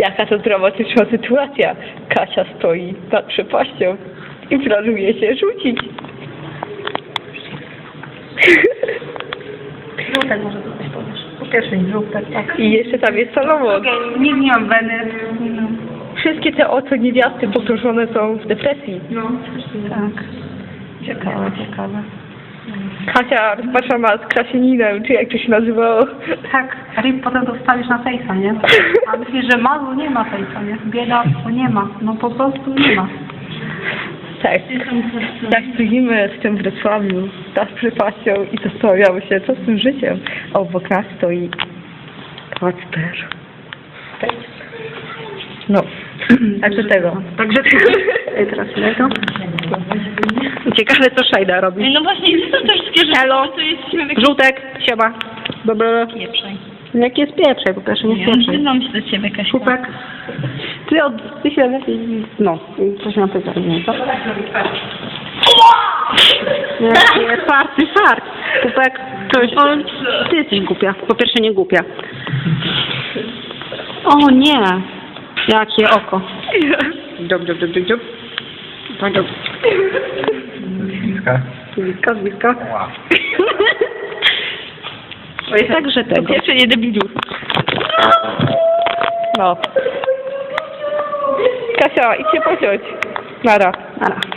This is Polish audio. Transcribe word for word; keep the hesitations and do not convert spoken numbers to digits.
Jaka to dramatyczna sytuacja. Kasia stoi nad przepaścią i planuje się rzucić. Żółtek może coś powiesz. Po pierwsze żółtek, tak. I jeszcze tam jest Salomon. Nikt nie mam weny. No. Wszystkie te oto niewiasty pogrążone są w depresji. No, tak. Ciekawe, ciekawe. Kasia rozpaczona z Krasieninem, czy jak to się nazywało. Tak, Rip potem to wstawisz na fejsa, nie? A myślisz, że malu nie ma fejsa, nie? Biedactwo nie ma. No po prostu nie ma. Tak. Tak stoimy w tym Wrocławiu, nad przepaścią i zastanawiamy się, co z tym życiem. A obok nas stoi Kacper. No, tak do tego. Także Ej, teraz tego. Ciekawe, co Szajda robi. No właśnie, gdzie są te wszystkie rzeczy? Halo. To jest śmiech Żółtek, siema. Dobra. pieprzej. Jak jest pieprzej, po pierwsze nie Nie, jest pieprzej. przyznam się do ciebie, Kasia. Szupek. Ty od... Ty się lepiej... No, coś na pytanie, nie? Co? Nie, nie, farty, fart. Szupek, coś... Ty jesteś głupia. Po pierwsze nie głupia. O nie! Jakie oko. Dziób, dziób, dziób, dziób, dziób. Tak, dziób. Bliska. Bliska, bliska. Ła. Oj, także To tego. pierwsze nie debilu. No. Kasia, idź się pociąć. Nara. Nara.